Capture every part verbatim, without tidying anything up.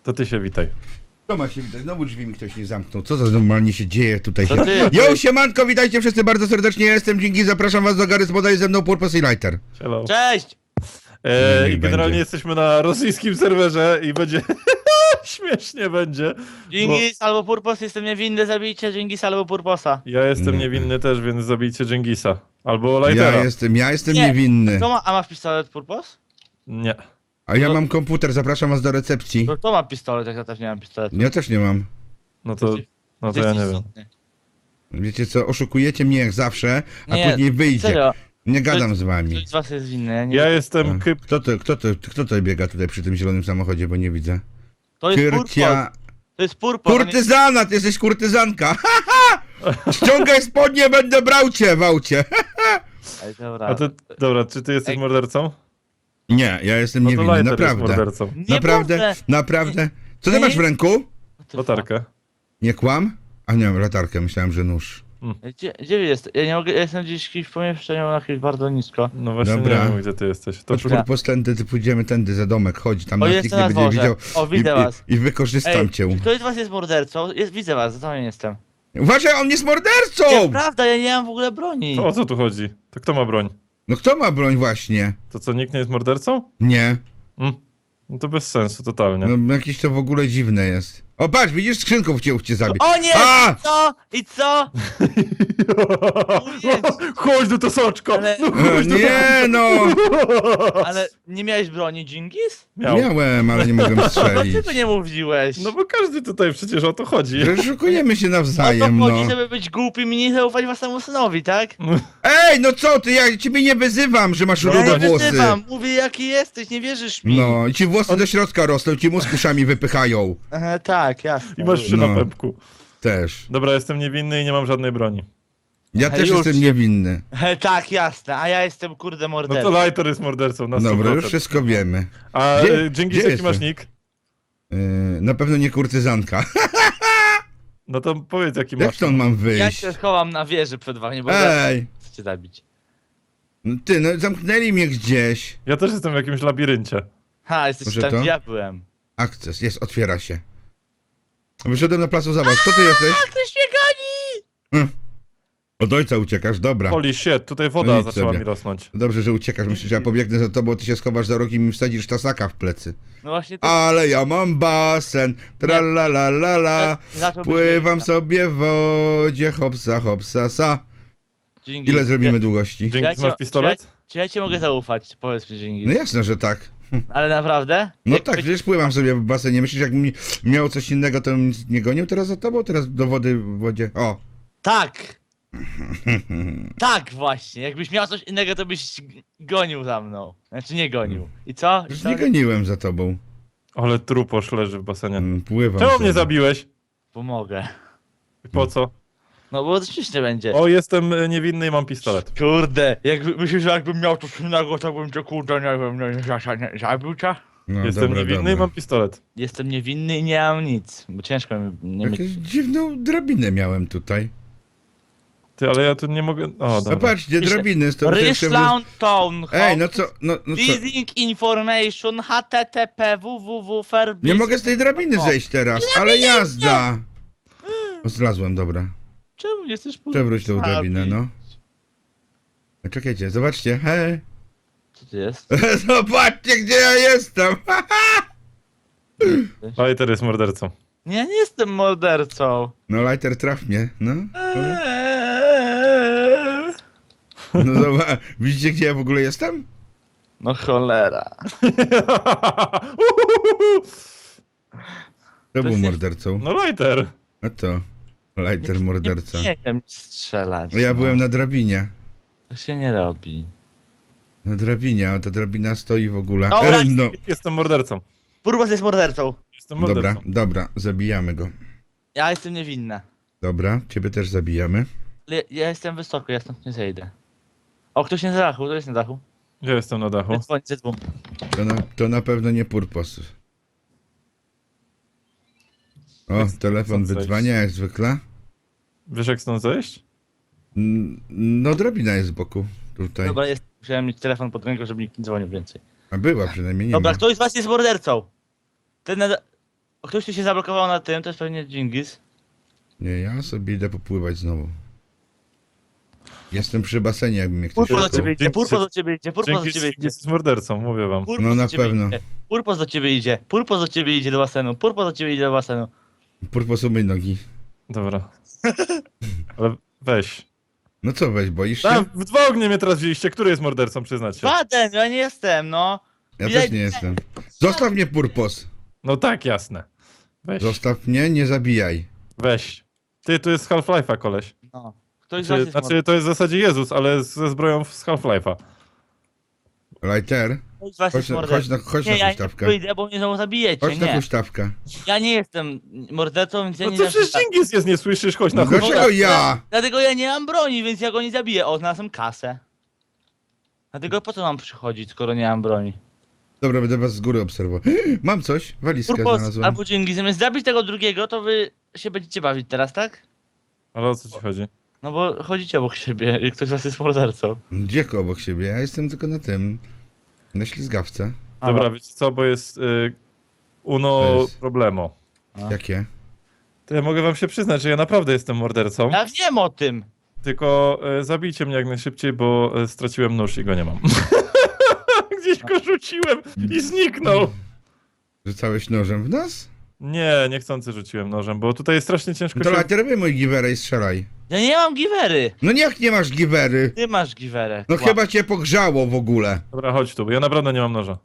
To ty się witaj. To ma się widać, znowu drzwi mi ktoś nie zamknął. Co za normalnie się dzieje tutaj? To Się... ty- Jo, siemanko, witajcie wszyscy bardzo serdecznie, ja jestem Dzięki, zapraszam was do Gary Spoda i ze mną Purpose i Lighter. Hello. Cześć! E, Niech I generalnie będzie. jesteśmy na rosyjskim serwerze i będzie... Śmiesznie będzie. Dżingis albo Purpos, jestem niewinny, zabijcie Dżingis albo Purposa. Ja jestem Nie. niewinny też, więc zabijcie Dżingisa. Albo Lightera. Ja jestem, ja jestem Nie. niewinny. Kto ma, a masz pistolet Purpos? Nie. A ja No- mam komputer, zapraszam was do recepcji. To kto ma pistolet, jak ja też nie mam pistoletu? Ja też nie mam. No to... No to Ty ja jesteś nie wiem. smutny. Wiecie co, oszukujecie mnie jak zawsze, a Nie, później wyjdzie. Serio, Nie gadam z ktoś wami. z was jest winny, ja nie Ja jestem A, kyp... Kto to, kto to, kto to biega tutaj przy tym zielonym samochodzie, bo nie widzę. To jest Purpos, Kyrcia... to jest Purpos. a nie- Kurtyzana, ty jesteś kurtyzanka! Ha, ha, ha! Ściągaj spodnie, będę brał cię w aucie! Ej, dobra. A ty... Dobra, czy ty jesteś Ej. mordercą? Nie, ja jestem No to niewinny, Lighter jest naprawdę. mordercą. Nie Naprawdę, będę. naprawdę. Co ty Nie. masz w ręku? Latarkę. Nie kłam? A nie mam latarkę, myślałem, że nóż. Gdzie, gdzie wy jest? Ja nie mogę, ja jestem gdzieś w jakimś pomieszczeniu na jakimś bardzo nisko. No właśnie Dobra. nie wiem, gdzie ty jesteś. To Chodź czy... Dobra. po tędy, ty pójdziemy tędy za domek, chodź, tam O, nas jestem nikt nie na będzie dworze. widział. O, widzę I, was. i, I wykorzystam Ej, cię. ktoś z was jest mordercą? Jest, widzę was, za to nie jestem. Uważaj, on jest mordercą! Nieprawda, ja nie mam w ogóle broni. To o co tu chodzi? To kto ma broń? No kto ma broń właśnie? To co, nikt nie jest mordercą? Nie. Mm. No to bez sensu, totalnie. No jakieś to w ogóle dziwne jest. O patrz, widzisz, skrzynką chciał cię zabić. O nie! A! I co? I co? Chodź do to soczko! Ale- No E, chodź do Nie no! Ale nie miałeś broni, Dżingis? Miał. Miałem, ale nie mogłem strzelić. Dlaczego nie mówiłeś? No bo każdy tutaj przecież o to chodzi. Że Szukujemy się o to nawzajem, chodzi, no. żeby być głupim i nie zaufać własnemu synowi, tak? Ej, no co ty, ja ciebie nie wyzywam, że masz Ja rude nie włosy. wyzywam, mówię jaki jesteś, nie wierzysz mi. No, i ci włosy do środka rosną, ci mózg uszami wypychają. Aha, tak, jasne. I masz przy No. na pępku. Też. Dobra, jestem niewinny i nie mam żadnej broni. Ja Hej, też już. jestem niewinny. He, tak, jasne, a ja jestem kurde No mordercą. to Lighter jest mordercą na sto procent. Dobra, już wszystko wiemy. A Gdzie- e, Dżingis, gdzie jaki masz jestem? nick? Yy, na pewno nie kurtyzanka. No to powiedz jaki Jak masz. stąd mam Ja wyjść? się schowam na wieży przed wami, bo zaraz Ej! chcecie zabić. No ty, no zamknęli mnie gdzieś. Ja też jestem w jakimś labiryncie. Ha, jesteś Może tam, to? gdzie ja byłem. Akces, jest, otwiera się. Wyszedłem na placu zabaw. Kto ty jesteś? Ktoś mnie goni! Od ojca uciekasz, dobra. Holy shit, tutaj woda No idź zaczęła sobie. mi rosnąć. Dobrze, że uciekasz. Myślę, że ja pobiegnę za tobą, ty się schowasz za rogi i mi wsadzisz tasaka w plecy. No właśnie to... Ale ja mam basen, tra la la la la. Zacząłbyś Pływam mnie- sobie w wodzie, hopsa hopsa sa. Dżingis, Ile zrobimy czy- długości? czy ja Dżingis, ci- masz pistolet? Czy ja, czy ja ci mogę zaufać? Powiedz mi, Dżingis. No jasne, że tak. Ale naprawdę? No Jak tak, by- przecież pływam sobie w basenie. Myślisz, jak mi miało coś innego, to bym nie gonił teraz za tobą? Teraz do wody w wodzie. O! Tak! Tak właśnie, jakbyś miał coś innego, to byś g- gonił za mną. Znaczy nie gonił. I co? I Już co? nie goniłem za tobą. Ale truposz leży w basenie. Mm, Pływam Czemu sobie. mnie zabiłeś? Pomogę. I po co? No bo to śmiesznie będzie. O, jestem e, niewinny i mam pistolet. Kurde, jakby, myślisz, że jakbym miał coś innego, to bym cię kurde, nie wiem, nie, nie, nie, zabił cię? No, Jestem dobra, niewinny dobra. i mam pistolet. Jestem niewinny i nie mam nic, bo ciężko mi nie mieć. Jakąś dziwną drabinę miałem tutaj. Ty, ale ja tu nie mogę... O, No dobra. patrzcie, drabiny. To Ryszlaun Town Ej, no co, no, no co? Leasing information H T T P www Fair Nie mogę z tej drabiny O. zejść teraz, ale jazda! O, zlazłem, dobra. Czemu nie chcesz Przewróć tą postawić? drabinę, no. No czekajcie, zobaczcie, hej. Co to jest? Zobaczcie, gdzie ja jestem! Lighter jest mordercą. Nie, nie jestem mordercą. No, lighter, traf mnie, no. Eee. No zobacz, widzicie, gdzie ja w ogóle jestem? No cholera. To był jest- mordercą. No Lighter. A to, lighter morderca. Nie wiem strzelać. No ja no. byłem na drabinie. To się nie robi. Na drabinie, a ta drabina stoi w ogóle. Dobra. E, no. Jestem mordercą. Purbas jest mordercą. Jestem mordercą. Dobra, dobra, zabijamy go. Ja jestem niewinna. Dobra, ciebie też zabijamy. Ale ja jestem wysoko, ja stąd nie zejdę. O, ktoś nie na dachu, to jest na dachu. Ja jestem na dachu. Dzwoń, dzwoń. To na, to na pewno nie Purpos. O, Jak telefon stąd wydzwania jak zwykle. Wiesz jak stąd zejść? N- No, drabina jest z boku. Tutaj. Dobra, jest. Musiałem mieć telefon pod ręką, żeby nikt nie dzwonił więcej. A była przynajmniej, nie Dobra, ma. ktoś z was jest mordercą. Ten na... Ktoś tu się zablokował na tym, to jest pewnie Dżingis. Nie, ja sobie idę popływać znowu. Jestem przy basenie, jakby mnie ktoś Purpos do szukał. ciebie idzie, Dzięki- Purpos do ciebie idzie, Purpos do Dzięki ciebie idzie. jest mordercą, mówię wam. Purpos No do na ciebie pewno. idzie. Purpos do ciebie idzie, Purpos do ciebie idzie do basenu, Purpos do ciebie idzie do basenu. Purpos umyj nogi. Dobra. Ale weź. No co weź, boisz się? Tam, w dwa ognie mnie teraz wzięliście. Który jest mordercą, przyznać się? Baden, ja nie jestem, no. Ja Widać- też nie jestem. Zostaw mnie, Purpos. No tak, jasne. Weź, Zostaw mnie, nie zabijaj. weź. Ty, tu jest z Half-Life'a, koleś. No. Ktoś z was Znaczy, jest znaczy, to jest w zasadzie Jezus, ale ze zbroją z Half-Life'a. Lighter, Ktoś z was chodź jest na, chodź mordercą. na, chodź Nie, na ja nie huśtawkę. wyjdę, bo mnie znowu zabijecie, Chodź na nie. huśtawkę. Ja nie jestem mordercą, więc ja No nie to dam przecież się- Dżingis jest, nie słyszysz? Chodź na No chuj. dlaczego ja? Dlatego ja nie mam broni, więc ja go nie zabiję. O, znalazłem kasę. Dlatego po co mam przychodzić, skoro nie mam broni? Dobra, będę was z góry obserwował. Mam coś, walizkę Purpos znalazłem. albo Dżingis, zamiast zabić tego drugiego, to wy się będziecie bawić teraz, tak? Ale o co ci chodzi? No bo chodzicie obok siebie i ktoś z was jest mordercą. Gdzie obok siebie? Ja jestem tylko na tym. Na ślizgawce. Dobra, wiecie co, bo jest y, uno To jest- problemo. A. Jakie? To ja mogę wam się przyznać, że ja naprawdę jestem mordercą. Ja wiem o tym. Tylko y, zabijcie mnie jak najszybciej, bo y, straciłem nóż i go nie mam. Gdzieś go rzuciłem i zniknął. Rzucałeś nożem w nas? Nie, niechcący rzuciłem nożem, bo tutaj jest strasznie ciężko No to się... Lighter, robię mój giwerę i strzelaj. Ja nie mam giwery. No jak nie masz giwery? Ty masz giwerę. No Kłam. chyba cię pogrzało w ogóle. Dobra, chodź tu, bo ja naprawdę nie mam noża.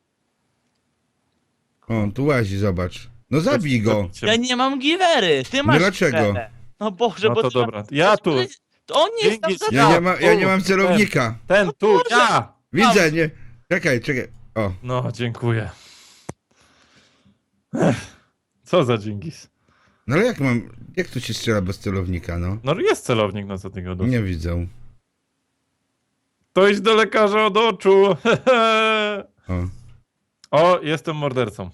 O, tu łazi, zobacz. No zabij go. Zabijcie Ja mnie. nie mam giwery. Ty masz dlaczego? giwerę. No Boże, No bo to ty ma- dobra, ja tu, To on nie jest tam Dzięki- za... Ja nie, ma, ja nie tu, mam celownika. ten, tu, ja! Widzę, nie. Czekaj, czekaj. O, No, dziękuję. Ech, co za Dżingis. no ale jak mam. Jak tu się strzela bez celownika, no? No jest celownik na co tego Nie widzę. To idź do lekarza od oczu. O. O, jestem mordercą.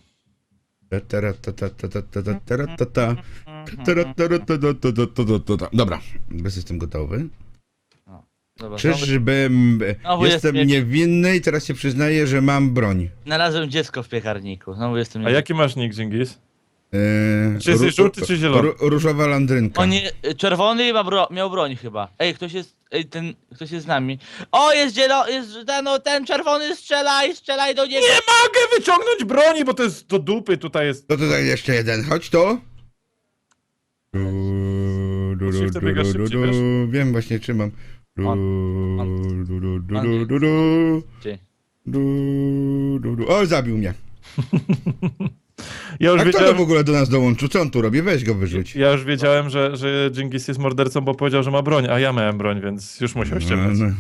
Taratatatatatatatatata. Taratatatatatatatatata. Dobra, bez jestem gotowy. Dobra, znowu- Czyżbym. Znowu Jestem jest- niewinny i teraz się przyznaję, że mam broń. Znalazłem dziecko w piekarniku. Znowu jestem... A jaki masz nick, Dżingis? Eee, Czy jesteś ró- żółty, czy zielony? ró- Różowa landrynka. On nie, czerwony ma bro, miał broń chyba. Ej, ktoś jest, ej, ten, ktoś jest z nami. O, jest zielony, jest ten, no, ten czerwony, strzelaj, strzelaj do niego. Nie mogę wyciągnąć broni, bo to jest do dupy, tutaj jest... To tutaj jeszcze jeden, chodź tu. Musisz to biegać szybciej, wiesz? Wiem właśnie trzymam. Ty. O, zabił mnie. Ja już A kto to wiedziałem, w ogóle do nas dołączył? Co on tu robi? Weź go wyrzuć. ja już wiedziałem że, że Dżingis jest mordercą, bo powiedział, że ma broń, a ja miałem broń, więc już musiał ściemniać. No,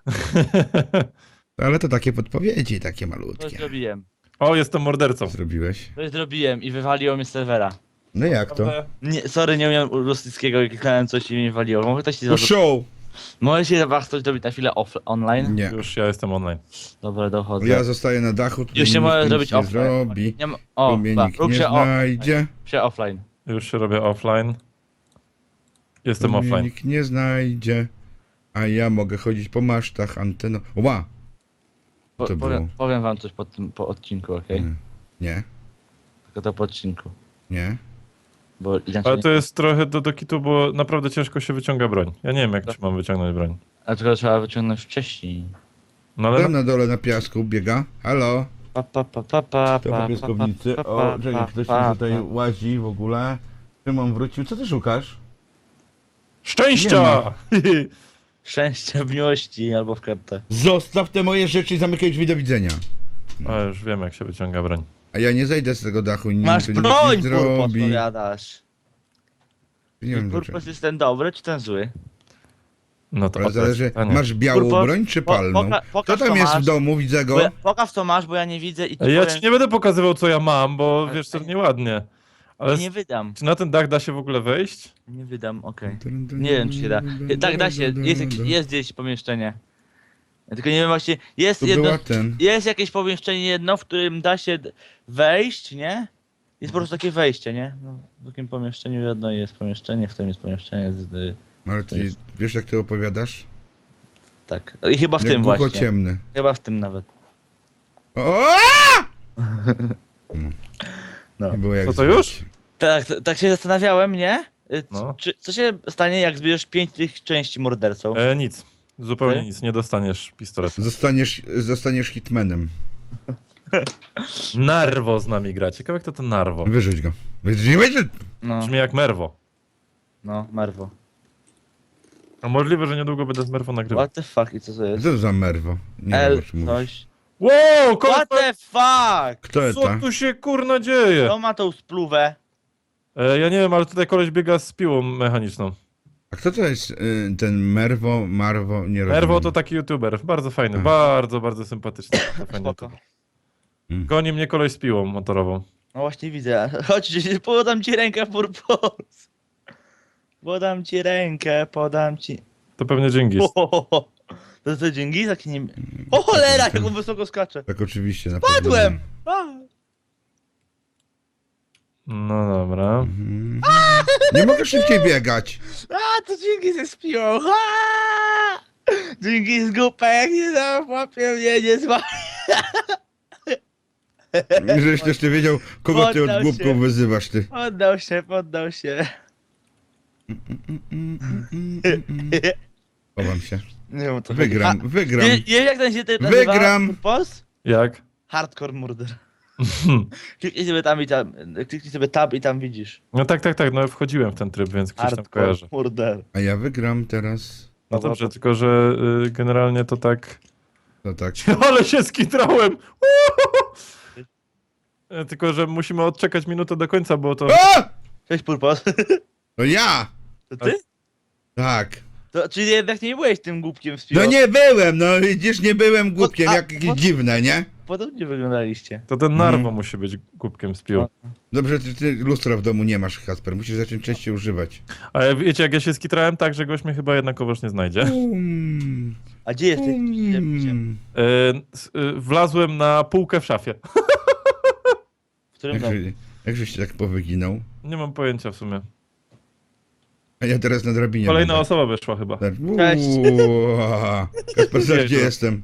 no. Ale to takie podpowiedzi, takie To malutkie. zrobiłem. O, jestem mordercą. Zrobiłeś. To zrobiłem i wywaliło mnie z serwera. No jak to? Nie, sorry, nie umiałem rosyjskiego i kliknąłem coś i mnie wywaliło. Mogę ktoś się No zaraz... show! Może się was ktoś zrobić na chwilę off online? Nie. Już ja jestem online. Dobra, dochodzę. Ja zostaję na dachu, tu Już się nikt może nic zrobić nie offline. zrobi. Nie ma... O, Tu mnie ba, nikt rób nie się, o, znajdzie. się offline. Już się robię offline. Jestem Tu mnie offline. nikt nie znajdzie. A ja mogę chodzić po masztach, anteną. Ła! Po, To powiem, było. powiem wam coś po tym po odcinku, okej? Nie. Nie, Tylko to po odcinku. nie. Bo inaczej Ale nie... to jest trochę do, do kitu, bo naprawdę ciężko się wyciąga broń. Ja nie wiem, jak ci mam wyciągnąć broń. A tylko trzeba wyciągnąć wcześniej. No ale... Tam na dole na piasku biega. Halo? Pa, pa, pa, pa, pa, To pa, po piaskownicy. pa, pa, O, pa, czekaj, ktoś pa, mi tutaj pa. łazi w ogóle. Szymon wrócił. Co ty szukasz? Szczęścia! Szczęścia w miłości albo w kartę. Zostaw te moje rzeczy i zamykaj drzwi, do widzenia. A już wiem, jak się wyciąga broń. A ja nie zejdę z tego dachu i nie Masz tu nic broń, nie Purpos, zrobi. powiadasz. Nie wiem dlaczego. Purpos jest ten dobry czy ten zły? No to Ale odpowiedź zależy, pytanie. masz białą Purpos, broń czy po- palną? poka- Kto pokaż, tam co jest masz. w domu? Widzę go. Bo ja, pokaż co masz, bo ja nie widzę i ci Ja powiem, ci nie będę pokazywał, co ja mam, bo Ale- wiesz, to nieładnie. Ale nie wydam. czy na ten dach da się w ogóle wejść? Nie wydam, okej. Nie wiem czy się da. Tak, da się, jest, jak- jest gdzieś pomieszczenie. Ja tylko nie wiem właśnie, jest Tu jedno, była ten. jest jakieś pomieszczenie jedno, w którym da się d- wejść, nie? Jest po prostu takie wejście, nie? No, w takim pomieszczeniu jedno jest pomieszczenie, w tym jest pomieszczenie z... y, Ale ty wiesz jak ty opowiadasz? tak. I chyba w Jak tym właśnie. ciemny. Chyba w tym nawet. O! No. Nie było jak Co to zwykle. już? Tak, tak się zastanawiałem, nie? Y, c- No. Czy, co się stanie, jak zbierzesz pięć tych części mordercą? E, nic. Zupełnie Ty? nic. Nie dostaniesz pistoletu. Zostaniesz, zostaniesz hitmanem. Narwo z nami gra. Ciekawe kto to Narwo. Wyrzuć go. Wyrzuć, wyrzuć. No, Brzmi jak Merwo. no, Marwo. A możliwe, że niedługo będę z Merwo nagrywał. What the fuck i co to jest? Co to za merwo? Nie wiem, L, o czym mówisz. coś. Wow, What the fuck? Kto co to? tu się kurna dzieje? Kto ma tą spluwę? E, ja nie wiem, ale tutaj koleś biega z piłą mechaniczną. A kto to jest y, ten Merwo, Marwo? Nie rozumiem. Merwo to taki youtuber. Bardzo fajny. A. Bardzo, bardzo sympatyczny. Bardzo fajny Spoko. youtuber. Goni mnie koleś z piłą motorową. No właśnie widzę. Chodź, podam ci rękę, Purpos. Podam ci rękę, podam ci... To pewnie Dżingis. Ohohoho. To to dzięki? Taki nie... O cholera, jak on wysoko skacze. Tak oczywiście. Na Padłem! pewno. A. No dobra. Mhm. Nie mogę szybciej biegać. A, to dzięki ze spią. Dzięki z głupek, nie załapie mnie, nie zła. Żebyś też ty wiedział, kogo ty od Poddał głupków się. wyzywasz, ty. Poddał się, poddał się. Chowam się. Nie wiem, o co Wygram, chodzi. wygram. Wie- Wiesz jak ten się ty Wygram. Purpos? Jak? Hardcore murder. Kliknij sobie tam i tam, kliknij sobie tab i tam widzisz. No tak, tak, tak. No wchodziłem w ten tryb, więc ktoś tam Hardcore kojarzy. murder. A ja wygram teraz. No dobrze, tylko że y, generalnie to tak... No tak. Ale się skitrałem! E, Tylko, że musimy odczekać minutę do końca, bo to... A! Cześć Purpos. To ja! To ty? Tak. To, czyli jednak nie byłeś tym głupkiem z No piłą. nie byłem, no widzisz, nie byłem głupkiem, a- jak jakieś pod- dziwne, nie? Podobnie wyglądaliście. To ten Narwo musi być głupkiem z piłą. Dobrze, ty, ty lustra w domu nie masz, Kasper, musisz zacząć częściej używać. A ja- wiecie, jak ja się skitrałem tak, że goś mnie chyba jednakowoż nie znajdzie. Um, A gdzie jesteś? um. E, s- e, wlazłem na półkę w szafie. W którym domu? Jak, jak żeś się tak powyginął? Nie mam pojęcia w sumie. A ja teraz na drabinie Kolejna będę. osoba wyszła chyba. Tak. Cześć. Uaa. Kasper, zobacz, gdzie Jezu. jestem.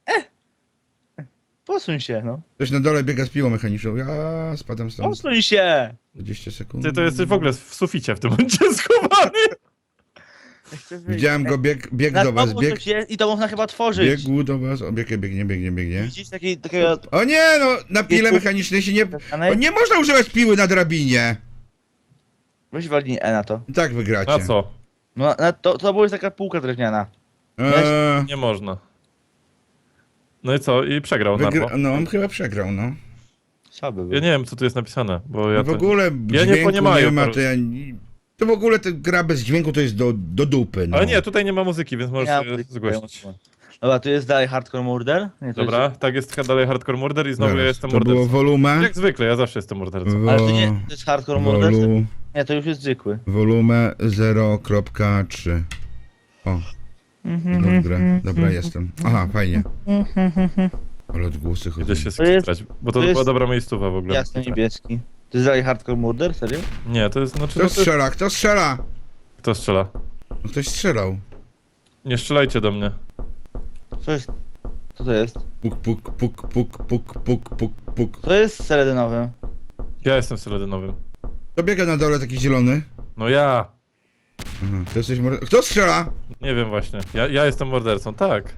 Posuń się, no. Ktoś na dole biega z piłą mechaniczną. Ja spadam stąd. Posuń się! dwadzieścia sekund. Ty to jesteś w ogóle w suficie w tym momencie schowany. Ja chcę wyjść. Widziałem go, bieg, bieg Na do was, domu bieg, coś jest i to można chyba tworzyć. biegł do was, o biegnie, biegnie, biegnie, biegnie. Widzisz taki, takiego... O nie, no, na pile mechanicznej się nie... O, nie można używać piły na drabinie. Weź walnij E na to. I tak wygracie. A co? No, na to, to była jest taka półka drewniana. Eee, Nie można. No i co? I przegrał wygra... Narwo. No, on chyba przegrał, no. Słaby był. Ja nie wiem, co tu jest napisane, bo ja w to... ogóle Ja nie dźwięku nie, poniemają ma, po to ja... To w ogóle ta gra bez dźwięku to jest do, do dupy, no. Ale nie, tutaj nie ma muzyki, więc możesz Ja sobie muzykę zgłosić. ją- Dobra, tu jest dalej Hardcore Murder. Nie, to Dobra, tak jest dalej Hardcore Murder i znowu Zaraz, ja jestem to było mordercą. wolumę. Jak zwykle, ja zawsze jestem mordercą. Wo... Ale to nie to jest Hardcore Murder. Wolu... Nie, to już jest zwykły. Wolumę zero kropka trzy. O, Mhm. dobra, dobra, jestem. Aha, fajnie. Ale odgłosy chodzą. Idę się To jest- skitrać, bo to, to była jest- dobra miejscowa w ogóle. Jasny niebieski. To jest dalej Hardcore Murder? Serio? Nie, to jest, znaczy, Kto no to jest... strzela? Kto strzela? Kto strzela? No, ktoś strzelał. Nie strzelajcie do mnie. Co jest? Co to jest? Puk, puk, puk, puk, puk, puk, puk, puk. To jest seledynowym. Ja jestem seledynowym. Kto biega na dole taki zielony? No ja! Aha, to jesteś morde... Kto strzela? Nie wiem właśnie. Ja, ja jestem mordercą, tak.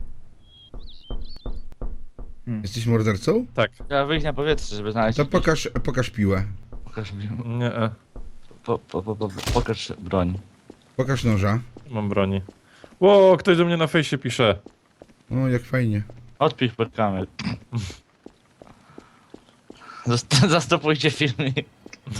Jesteś mordercą? Tak. Trzeba wyjść na powietrze, żeby znaleźć... To pokaż, pokaż piłę. Pokaż, Nie, e, po, po, po, po, pokaż broń. Pokaż noża. nie mam broni. Ło, ktoś do mnie na fejsie pisze. O, jak fajnie. Odpisz pod kamer. Zast- Zastopujcie filmik.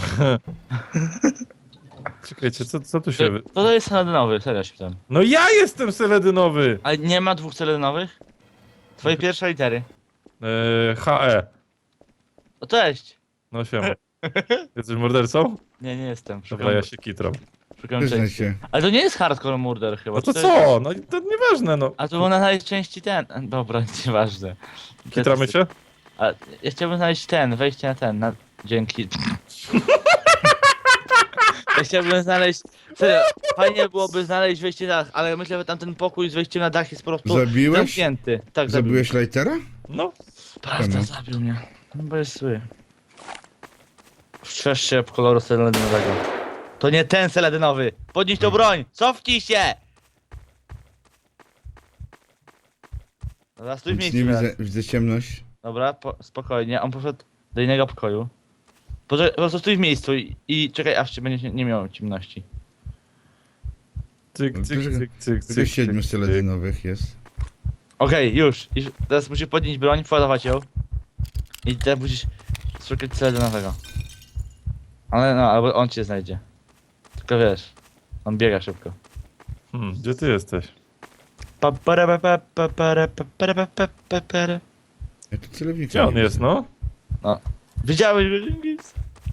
Czekajcie, co, co tu się... To, wy- to jest seledynowy, serio się pytam. No ja jestem seledynowy! Ale nie ma dwóch seledynowych? Twoje pierwsze litery. E, H E. O cześć! No siema. Jesteś mordercą? Nie, nie jestem. Dobra, ja się kitram. szukam Przyznaj części. się. Ale to nie jest Hardcore Murder chyba. No to czy co? No to nieważne, no. A to można znaleźć części ten. Dobra, nieważne. Kitramy się? A ja chciałbym znaleźć ten, wejście na ten, na... Dzięki. Ja chciałbym znaleźć... Serio, fajnie byłoby znaleźć wejście na dach, ale myślę, że tamten pokój z wejściem na dach jest po prostu Zabiłeś? zamknięty. Tak, zabił. Zabiłeś Lightera? No. Prawda, Czemu? zabił mnie. No bo jest zły. Strzeż się koloru seladynowego. To nie ten seladynowy! Podnieś tą broń! Cofnij się! Dobra, stój w Nic miejscu nie teraz. widzę, widzę ciemność. Dobra, po, spokojnie. On poszedł do innego pokoju. Poczekaj, po prostu stój w miejscu i, i czekaj, aż cię będzie nie miał ciemności. Cyk, cyk, cyk, cyk, Tylko cyk, siedmiu cyk, seledynowych jest. Okej, już. już. Teraz musisz podnieść broń, władować ją. I teraz musisz szukać seladynowego. Ale no, albo on cię znajdzie. Tylko wiesz, on biega szybko. Hmm, gdzie ty jesteś? Pa, para, pa, pa, pa, para, pa, para, pa, pa, pa, para. Ja tu celownika Gdzie on nie jest, widzę. no? No. Widziałeś go, Dżingis?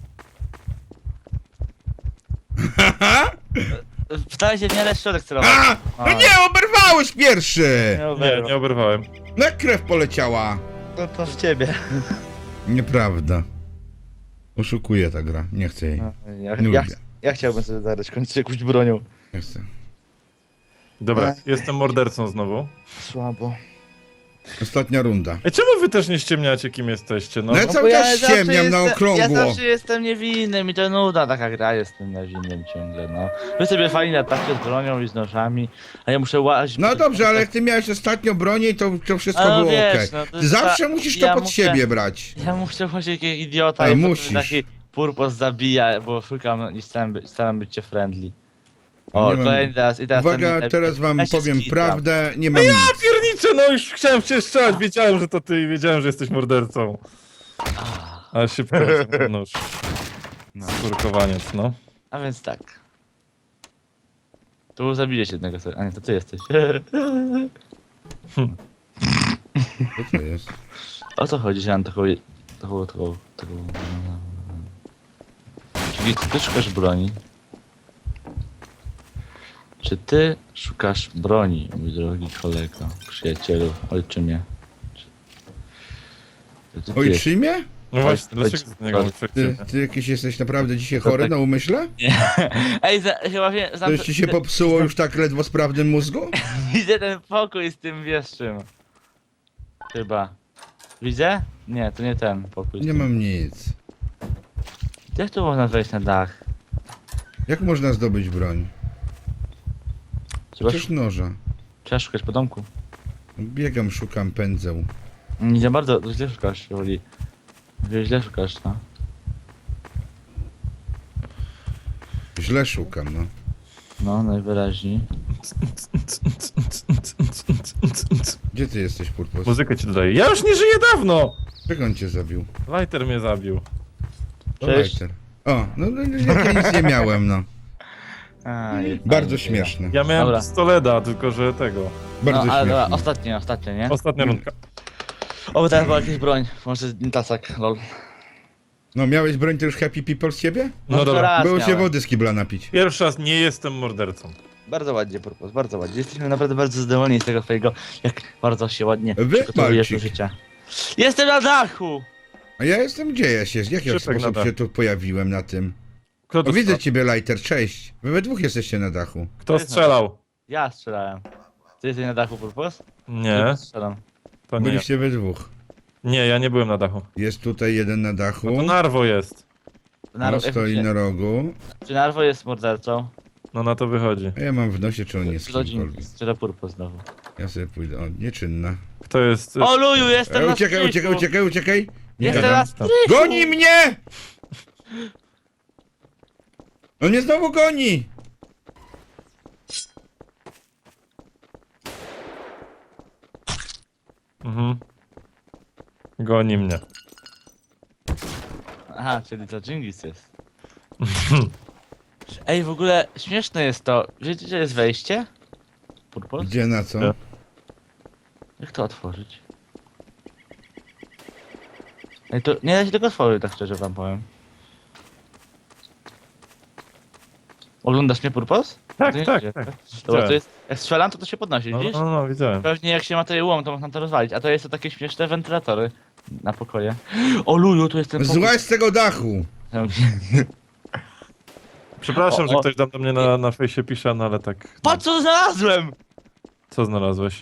Wstałeś się w miarę środek celowy. A! No nie, oberwałeś pierwszy! Nie, nie oberwałem. Na krew poleciała. No to w ciebie. Nieprawda. Oszukuje ta gra, nie chcę jej. No, ja, Nie ja, lubię. ja chciałbym sobie zagrać kończyć jakąś bronią. Nie chcę. Dobra, Ech. jestem mordercą znowu. Słabo. Ostatnia runda. Ej, czemu wy też nie ściemniacie, kim jesteście, no? No ja cały czas ściemniam na okrągło. Ja zawsze jestem niewinny, mi to nuda taka gra, jestem niewinnym ciągle, no. Wy sobie fajnie latacie z bronią i z nożami, a ja muszę łazić... No dobrze, ale jak ty miałeś ostatnio bronię, to, to wszystko A no było wiesz, okej. no to Ty zawsze ta- musisz to ja pod muszę- siebie brać. Ja muszę właśnie jak idiota Ej, i potem musisz. taki purpos zabija, bo szukam i staram, być- staram być cię friendly. O, Nie mam- kolejny raz i teraz... Uwaga, ten- teraz wam ja się powiem skitam. prawdę, nie mam nic. Piernicze, no już chciałem cię strzelać, wiedziałem, że to ty i wiedziałem, że jesteś mordercą. Ale szybko ten nóż. No. Skurkowaniec, no. A więc tak. Tu zabijesz jednego sobie. A nie, to ty jesteś. Co to jest? O co chodzi, że mam taką... taką... taką... taką... Czyli ty szukasz broni? Czy ty szukasz broni, mój drogi kolego, przyjacielu, ojczymie? Czy... Czy ty, ty jest- Ojczymie? No właśnie, Chodź, dlaczego z niego chodź. mówisz Ty, ojczymy? ty jakiś jesteś naprawdę dzisiaj To chory tak- na umyśle? Ej, za, chyba wiem... znam- Coś ci się popsuło już tak ledwo sprawnym mózgu? Widzę ten pokój z tym wieszczym. Chyba. Widzę? Nie, to nie ten pokój. z Nie tym- mam nic. Jak tu można wejść na dach? Jak można zdobyć broń? Trzeba, Przecież szu- noża. trzeba szukać po domku. Biegam, szukam pędzeł. Nie za bardzo, to źle szukasz, Woli. Źle szukasz, no. Źle szukam, no. No, najwyraźniej. Gdzie ty jesteś, Purpos? Muzykę ci dodaję. Ja już nie żyję dawno! Jak on cię zabił? Lighter mnie zabił. O, Cześć. lighter. O, no, no jak ja nic nie miałem, no. A, jest Bardzo fajnie, śmieszne. Ja miałem Dobra. pistoleta, tylko że tego. Bardzo no, ale dobra, śmieszne. ostatnie, ostatnie, nie? Ostatnia rundka. O, bo teraz była jakaś broń. Może tasak, lol. No, miałeś broń to już happy people z ciebie? No to dobra. raz Było się miałem. wody z kibla napić. Pierwszy raz nie jestem mordercą. Bardzo ładnie, Purpos, bardzo ładnie. Jesteśmy naprawdę bardzo zadowoleni z tego twojego, jak bardzo się ładnie Wy, przygotowujesz do Balcik. życia. Jestem na dachu! A ja jestem gdzie ja się, w jaki Szybek na sposób dach. się tu pojawiłem na tym? Kto O, to widzę strzela? ciebie, Lighter, cześć. Wy we dwóch jesteście na dachu. Kto strzelał? Ja strzelałem. Ty jesteś na dachu, Purpos? Nie, Ja strzelam. to nie. ja. Byliście we dwóch. Nie, ja nie byłem na dachu. Jest tutaj jeden na dachu. No to Narwo jest. On Narwo, stoi na rogu. Czy Narwo jest mordercą? No na to wychodzi. A ja mam w nosie, czy on jest Rodzin kimkolwiek. strzela Purpos znowu. Ja sobie pójdę. O, nieczynna. Kto jest... O luju, jestem E, na uciekaj, strychu. uciekaj, uciekaj, uciekaj! Nie Jestem gadam. na strychu! Goni mnie! On mnie znowu goni! Mhm. Goni mnie. Aha, czyli to Dżingis jest. Ej, w ogóle śmieszne jest to. Wiecie, gdzie jest wejście? Purpos? Gdzie, na co? Gdzie? Jak to otworzyć? Ej, to nie da się tego otworzyć, tak szczerze wam powiem. Oglądasz mnie, Purpos? Tak, To nie tak, idzie, tak. Dobra, Widziałem. to jest... Jak strzelam, to to się podnosi, No, widzisz? no, no, widziałem. Pewnie jak się ma to łom, to można to rozwalić. A to jest to takie śmieszne wentylatory na pokoje. O luju, tu jest ten pokój. Złaź z tego dachu! Przepraszam, O, że o. ktoś tam do mnie na, na fejsie pisze, no ale tak... No. Patrz co znalazłem! Co znalazłeś?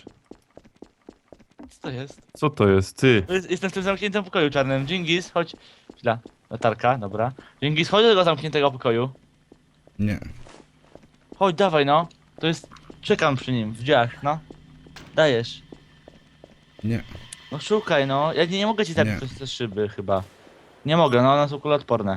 Co to jest? Co to jest? Ty. To jest? Jestem w tym zamkniętym pokoju czarnym. Dżingis, chodź. Chwila. Latarka, dobra. Dzięki, schodź do tego zamkniętego pokoju. Nie. Chodź, dawaj no. To jest... Czekam przy nim, w drzwiach, no. Dajesz. Nie. No szukaj no. Ja nie, nie mogę ci zabić Nie. przez te szyby chyba. Nie mogę, no one są kuloodporne.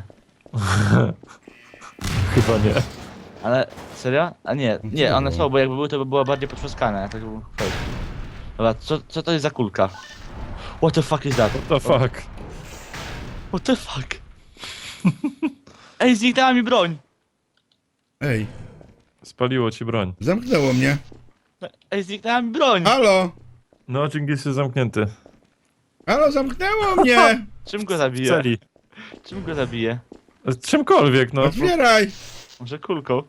Chyba nie. Ale serio? A nie, nie, one są, bo jakby były, to by było bardziej potrzaskane. Tak by było fake. Dobra, co, co to jest za kulka? What the fuck is that? What the fuck? What the fuck? Ej, zniknęła mi broń! Ej, Spaliło ci broń. zamknęło mnie. Ej, zniknęła mi broń! Halo! No, Dżingis jest zamknięty. Halo, zamknęło mnie! Czym go W zabiję? celi. Czym go zabiję? Czymkolwiek, no. Otwieraj! Może kulką?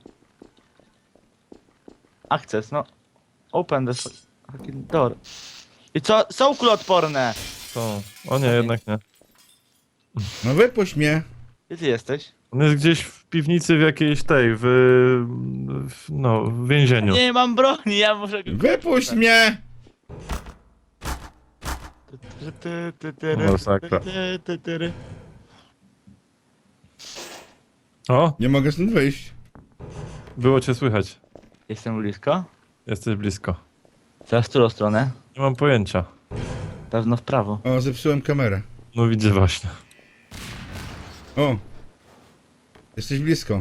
Access, no. Open the fucking door. I co? Są kuloodporne! To. O nie, jednak nie. No wypuść mnie. Gdzie ty jesteś? On jest gdzieś w piwnicy w jakiejś tej, w... w no, w więzieniu. Nie mam broni, ja muszę go... Wypuść mnie! Masakra. O, Nie mogę stąd wyjść. było cię słychać. Jestem blisko? Jesteś blisko. Teraz w którą stronę? Nie mam pojęcia. Pewno w prawo. O, zepsułem kamerę. No widzę właśnie. O! Jesteś blisko.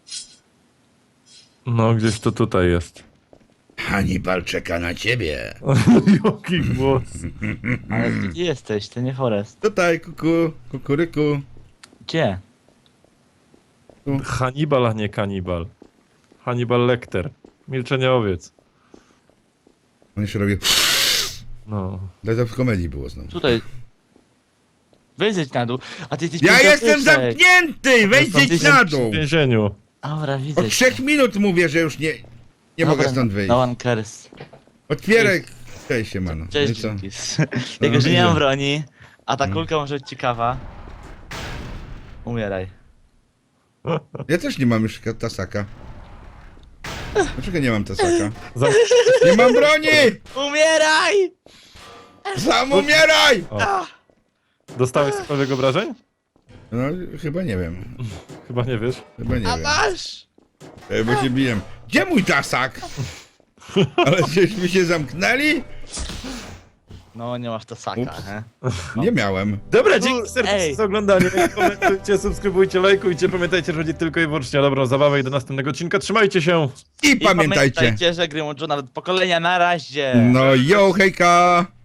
No, gdzieś to tutaj jest. Hannibal czeka na ciebie. Jaki głos. Ale gdzie ty jesteś? To nie Forest. Tutaj, kuku, kukuryku. Gdzie? Hannibal, a nie kanibal. Hannibal Lecter. Milczenie owiec. On jeszcze robi... No. Ale to w komedii było znowu. Tutaj. Wejdź na dół. A ty jesteś Ja pięćdziesiąt jestem wyżej. zamknięty! Wejdź na dół! W więzieniu. Dobra, widzę. Od cię. trzech minut mówię, że już nie... Nie mogę Dobra, stąd wyjść. No one cares. Otwieraj! Cześć się, mano. Cześć, No i co? Dziękis. Jako, że nie widzę. mam broni, a ta Mm. kulka może być ciekawa. Umieraj. Ja też nie mam już tasaka. Dlaczego nie mam tasaka? Zam... Nie mam broni! Umieraj! Sam umieraj! O. Dostałeś cokolwiek obrażeń? No, chyba nie wiem. Chyba nie wiesz. Chyba nie A wiem. masz! Ej, bo się biję. Gdzie mój tasak? Ale żeśmy się zamknęli? No, nie masz to saka, Ups. he? Nie miałem. Dobra, dzięki serdecznie Ej. za oglądanie. Komentujcie, subskrybujcie, lajkujcie. Pamiętajcie, że chodzi tylko i wyłącznie o dobrą zabawę i do następnego odcinka. Trzymajcie się. I I pamiętajcie. pamiętajcie, że gry łączą nawet pokolenia na razie. No jo, hejka!